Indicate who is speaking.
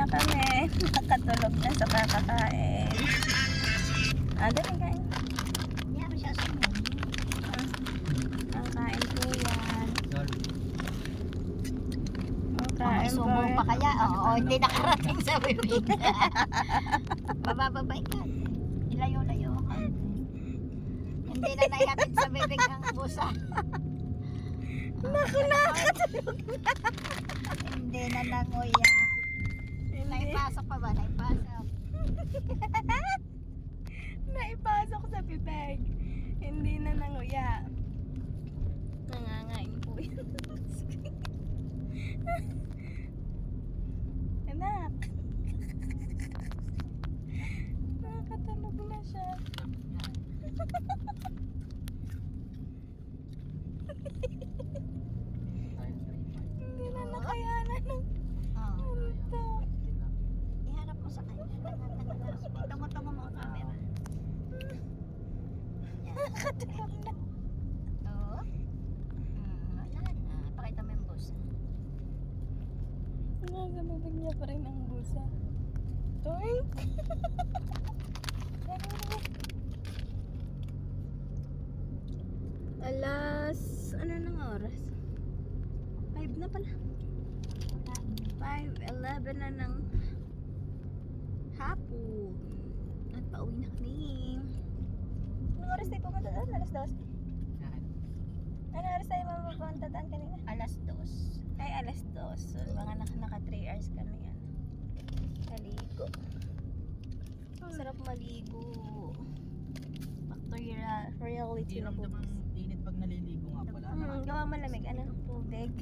Speaker 1: kami. Nakatulog na sa kakakain. Dali kain.
Speaker 2: Hindi mo siya sumunod.
Speaker 1: Kakain po yan.
Speaker 2: May
Speaker 1: Kain po.
Speaker 2: sumo pa kaya? Oo, hindi nakarating sa bibig. Babababay ka. Ilayo-layo ka. Hindi na naihatid sa bibig ang busa.
Speaker 1: Naku, nakatulog na.
Speaker 2: Hindi na nanguya. Naipasok pa ba? Naipasok.
Speaker 1: Naipasok sa bibig. Hindi na nanguya. Nangangain po yun. Anak. Nakatulog na siya. Hindi na nakayanan ng ito.
Speaker 2: Iharap mo sa kanya. Tungo-tungo mo ang camera.
Speaker 1: Nakatulog na.
Speaker 2: Oo. Wala na. Pakita mo yung busa.
Speaker 1: Nasa bibig niya pa rin ang busa. Toink! Ano nang oras? 5 na pala. 5:11 na ng hapon. At pauwi na kami. Anong oras tayo pumunta doon? Alas 12? Anong oras tayo mapupunta doon kanina?
Speaker 2: Alas 2.
Speaker 1: Ay, alas 2. So, mga naka 3 hours kami yan. Maligo. Sarap maligo. Back to reality na
Speaker 3: Hirap
Speaker 1: po.
Speaker 3: naman init pag naliligo nga pala.
Speaker 1: Gawa malamig. Ano? Tubig.